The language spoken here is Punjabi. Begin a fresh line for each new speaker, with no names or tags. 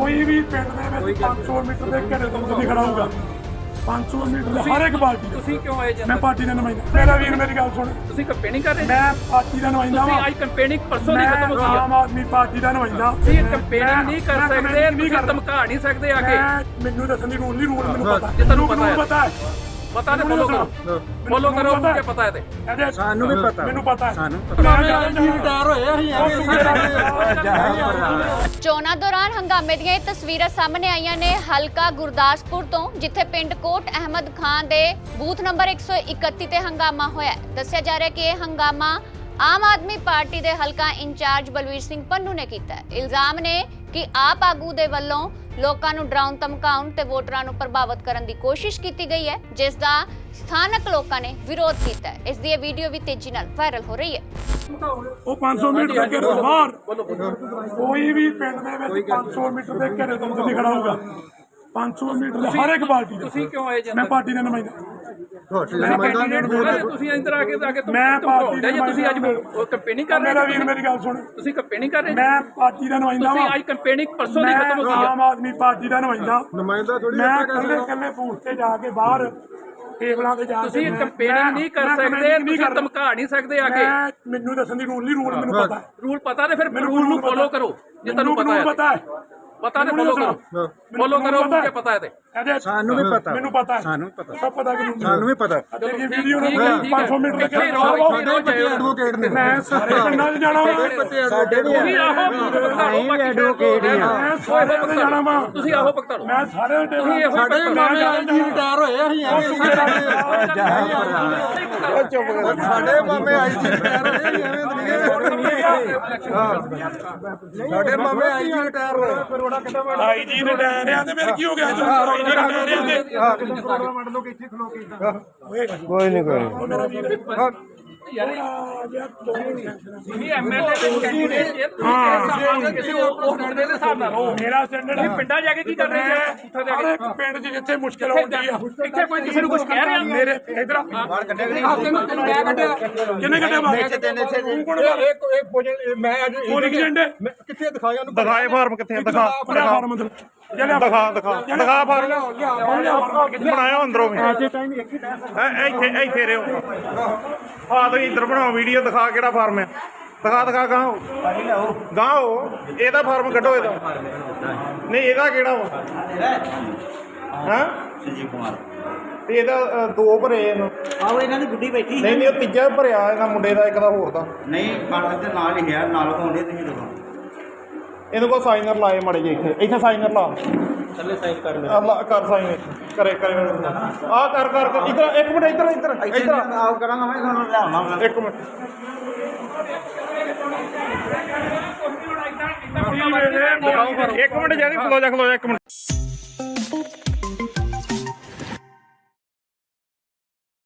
ਕੋਈ ਵੀ ਪਿੰਡ ਦੇ ਵਿੱਚ 500 ਮੀਟਰ ਦੇ ਘੇਰੇ ਤੋਂ ਨਹੀਂ ਖੜਾ ਹੋਊਗਾ। 500 ਮੀਟਰ ਹਰ ਇੱਕ ਪਾਰਟੀ
ਤੁਸੀਂ ਕਿਉਂ ਆਏ
ਮੈਂ ਪਾਰਟੀ ਦਾ ਨੁਮਾਇੰਦਾ। ਮੇਰਾ ਵੀਰ ਮੇਰੀ ਗੱਲ ਸੁਣ,
ਤੁਸੀਂ ਕੰਪੇਨਿੰਗ ਕਰ ਰਹੇ
ਮੈਂ ਪਾਰਟੀ ਦਾ ਨੁਮਾਇੰਦਾ
ਤੁਸੀਂ
ਹਾਂ।
ਅੱਜ ਕੰਪੇਨਿੰਗ ਪਰਸੋਂ ਦੀ ਖਤਮ ਹੋ ਗਈ
ਆਮ ਆਦਮੀ ਪਾਰਟੀ ਦਾ ਨੁਮਾਇੰਦਾ।
ਤੁਸੀਂ ਕੰਪੇਨਿੰਗ ਨਹੀਂ ਕਰ ਸਕਦੇ, ਤੁਸੀਂ ਧਮਕਾ ਨਹੀਂ ਸਕਦੇ ਆ ਕੇ।
ਮੈਨੂੰ ਦੱਸਣ ਦੀ ਰੂਲ ਨਹੀਂ, ਰੂਲ ਮੈਨੂੰ ਪਤਾ
ਜੇ ਤੁਹਾਨੂੰ
ਪਤਾ ਹੈ
ਪਤਾ ਤੇ ਫੋਲੋ ਕਰੋ, ਫੋਲੋ ਕਰੋ ਕਿ ਪਤਾ ਹੈ ਤੇ
ਸਾਨੂੰ ਵੀ ਪਤਾ,
ਮੈਨੂੰ ਪਤਾ
ਸਾਨੂੰ
ਰਿਟਾਇਰ ਹੋਏ
ਚੋਣਾਂ ਦੌਰਾਨ ਹੰਗਾਮੇ ਦੀਆਂ ਇਹ ਤਸਵੀਰਾਂ ਸਾਹਮਣੇ ਆਈਆਂ ਨੇ ਹਲਕਾ ਗੁਰਦਾਸਪੁਰ ਤੋਂ, ਜਿੱਥੇ ਪਿੰਡ ਕੋਟ ਅਹਿਮਦ ਖਾਨ ਦੇ ਬੂਥ ਨੰਬਰ 131 ਤੇ ਹੰਗਾਮਾ ਹੋਇਆ। ਦੱਸਿਆ ਜਾ ਰਿਹਾ ਕਿ ਇਹ ਹੰਗਾਮਾ ਆਮ ਆਦਮੀ ਪਾਰਟੀ ਦੇ ਹਲਕਾ ਇੰਚਾਰਜ ਬਲਵੀਰ ਸਿੰਘ ਪੰਨੂ ਨੇ ਕੀਤਾ ਹੈ। ਇਲਜ਼ਾਮ ਨੇ ਕਿ ਆਪ ਆਗੂ ਦੇ ਵੱਲੋਂ ਲੋਕਾਂ ਨੂੰ ਡਰਾਉਣ ਧਮਕਾਉਣ ਤੇ ਵੋਟਰਾਂ ਨੂੰ ਪ੍ਰਭਾਵਿਤ ਕਰਨ ਦੀ ਕੋਸ਼ਿਸ਼ ਕੀਤੀ ਗਈ ਹੈ, ਜਿਸ ਦਾ ਸਥਾਨਕ ਲੋਕਾਂ ਨੇ ਵਿਰੋਧ ਕੀਤਾ ਹੈ। ਇਸ ਦੀ ਇਹ ਵੀਡੀਓ ਵੀ ਤੇਜ਼ੀ ਨਾਲ ਵਾਇਰਲ ਹੋ ਰਹੀ ਹੈ।
ਉਹ 500 ਮੀਟਰ ਦੇ ਘੇਰੇ ਤੋਂ ਬਾਹਰ ਕੋਈ ਵੀ ਪਿੰਡ ਦੇ ਵਿੱਚ 500 ਮੀਟਰ ਦੇ ਘੇਰੇ ਤੋਂ ਨਹੀਂ ਖੜਾ ਹੋਊਗਾ। 500 ਮੀਟਰ ਹਰ ਇੱਕ ਪਾਰਟੀ
ਤੁਸੀਂ ਕਿਉਂ ਆਏ
ਮੈਂ ਪਾਰਟੀ ਦਾ ਨੁਮਾਇੰਦਾ।
ਤੁਸੀਂ ਇੰਦਰ ਆ ਕੇ
ਮੈਂ ਪਾਰਟੀ ਦਾ
ਤੁਸੀਂ ਅੱਜ ਕੰਪੇਨਿੰਗ ਕਰ ਰਹੇ
ਮੇਰਾ ਵੀਰ ਮੇਰੀ ਗੱਲ ਸੁਣ,
ਤੁਸੀਂ ਕੰਪੇਨਿੰਗ ਕਰ ਰਹੇ
ਮੈਂ ਪਾਰਟੀ ਦਾ ਨੁਮਾਇੰਦਾ
ਤੁਸੀਂ
ਹਾਂ।
ਅੱਜ ਕੰਪੇਨਿੰਗ ਪਰਸੋਂ ਦੀ ਖਤਮ ਹੋ ਗਈ
ਆਮ ਆਦਮੀ ਪਾਰਟੀ ਦਾ ਨੁਮਾਇੰਦਾ
ਥੋੜੀ
ਮੈਂ ਕੱਲੇ ਬੂਥ ਤੇ ਜਾ ਕੇ ਬਾਹਰ ਟੇਬਲਾਂ ਤੇ ਜਾ ਕੇ
ਤੁਸੀਂ ਕੰਪੇਨਿੰਗ ਨਹੀਂ ਕਰ ਸਕਦੇ, ਤੁਸੀਂ ਧਮਕਾ ਨਹੀਂ ਸਕਦੇ ਆ ਕੇ।
ਮੈਨੂੰ ਦੱਸਣ ਦੀ ਰੂਲ ਨਹੀਂ, ਰੂਲ ਮੈਨੂੰ ਪਤਾ
ਰੂਲ ਪਤਾ ਤੇ ਫਿਰ ਰੂਲ ਨੂੰ ਫੋਲੋ ਕਰੋ ਜੇ ਤੁਹਾਨੂੰ ਪਤਾ ਹੈ। ਪਤਾ ਤੇ ਫੋਲੋ ਕਰੋ, ਫੋਲੋ ਕਰੋ ਕਿ ਪਤਾ ਹੈ ਤੇ
ਸਾਨੂੰ ਵੀ ਪਤਾ,
ਮੈਨੂੰ ਪਤਾ ਹੈ,
ਸਾਨੂੰ ਪਤਾ,
ਸਭ ਪਤਾ ਕਿ
ਸਾਨੂੰ ਵੀ ਪਤਾ।
ਇਹ ਵੀਡੀਓ ਨੂੰ 500 ਮੀਟਰ ਦੇ ਘੇਰੇ
ਐਡਵੋਕੇਟ ਨੇ,
ਮੈਂ ਸਾਰੇ ਪਿੰਡਾਂ 'ਚ ਜਾਣਾ ਵਾ,
ਸਾਡੇ ਵੀ ਐਡਵੋਕੇਟ ਹੀ ਆ।
ਮੈਂ ਸਾਰੇ ਪਿੰਡ ਜਾਣਾ ਵਾ,
ਤੁਸੀਂ ਆਹੋ ਭਗਤਾ
ਮੈਂ ਸਾਰੇ
ਸਾਡੇ ਮਾਮੇ ਆਈ ਰਿਟਾਇਰ ਹੋਏ ਅਸੀਂ ਚੁੱਪ ਕਰ। ਸਾਡੇ ਮਾਮੇ ਆਈ ਰਿਟਾਇਰ ਹੋਏ ਸਾਡੇ ਮਾਮੇ ਆਈ ਰਿਟਾਇਰ ਹੋਏ।
ਆਈ ਜੀ ਰਿਟਾਇਰ ਆ ਤੇ ਫਿਰ ਕੀ ਹੋ ਗਿਆ?
ਕੋਈ ਨਹੀਂ
ਤੁਸੀਂ ਐਮਐਲਏ ਦੇ ਕੈਂਡੀਡੇਟ ਜੇ ਤੁਸੀਂ ਕਿਸੇ ਉਹ ਪਿੰਡ ਦੇ ਹਿਸਾਬ ਨਾਲ ਰਹੋ।
ਮੇਰਾ ਸਟੈਂਡਰਡ ਹੈ।
ਪਿੰਡਾਂ ਜਾ ਕੇ ਕੀ ਕਰ ਰਹੇ ਜੇ ਉੱਥੇ ਜਾ
ਹਰ ਇੱਕ ਪਿੰਡ 'ਚ ਜਿੱਥੇ ਮੁਸ਼ਕਲ ਆਉਂਦੀ ਆ,
ਇੱਥੇ ਕੋਈ ਕਿਸੇ ਨੂੰ ਕੁਝ ਕਹਿ ਰਿਹਾ
ਮੇਰੇ ਇਧਰ
ਮੈਂ ਕੱਢਿਆ
ਕਿੰਨੇ ਕੱਢਿਆ ਬਾਹਰ? ਤੂੰ ਕੋਣ
ਮੈਂ ਅੱਜ
ਉਹ ਲਿਖ ਜੰਡੇ
ਕਿੱਥੇ ਦਿਖਾਇਆ ਉਹਨੂੰ?
ਦਿਖਾਏ ਫਾਰਮ ਕਿੱਥੇ ਦਿਖਾ
ਫਾਰਮ ਅੰਦਰ
ਦਿਖਾ ਫਾਰਮ ਬਣਾਇਆ ਅੰਦਰੋਂ ਵੀ ਇੱਥੇ ਰਿਓ ਆ ਤੁਸੀਂ ਇੱਧਰ ਬਣਾਓ ਵੀਡੀਓ ਦਿਖਾ ਕਿਹੜਾ ਫਾਰਮ ਹੈ ਦਿਖਾ ਗਾਂ ਇਹਦਾ ਫਾਰਮ ਕੱਢੋ ਇਹਦਾ ਨਹੀਂ ਇਹਦਾ ਕਿਹੜਾ ਵਾ ਹਾਂ
ਸੰਜੀਵ ਕੁਮਾਰ
ਤੇ ਇਹਦਾ ਦੋ ਭਰੇ ਇਹਨੂੰ
ਆਹੋ ਇਹਨਾਂ ਦੀ ਗੁੱਡੀ ਬੈਠੀ
ਨਹੀਂ ਉਹ ਤੀਜਾ ਭਰਿਆ ਇਹਨਾਂ ਮੁੰਡੇ ਦਾ ਇੱਕ ਦਾ ਹੋਰ ਦਾ
ਨਹੀਂ ਕਾਗਜ਼ ਦੇ ਨਾਲ ਹੀ ਹੈ ਨਾਲ ਹੋਣੇ ਤੁਸੀਂ ਦੇਖੋ
ਇਹਨੂੰ ਕੋ ਸਾਈਨਰ ਲਾਏ ਮੜੇ ਜੇ ਇੱਥੇ ਸਾਈਨਰ ਲਾ
ਥੱਲੇ ਸਾਈਨ ਕਰ
ਕਰ ਸਾਈਨ ਕਰੇ ਆ ਕਰ ਇੱਧਰ ਇੱਕ ਮਿੰਟ ਇੱਧਰ
ਆਪ ਕਰਾਂਗਾ ਮੈਂ ਤੁਹਾਨੂੰ ਲਿਆਵਾਂਗਾ
ਇੱਕ ਮਿੰਟ ਇੱਕ ਮਿੰਟ ਜਿਆਦਾ ਖਲੋ ਜਾ ਇੱਕ ਮਿੰਟ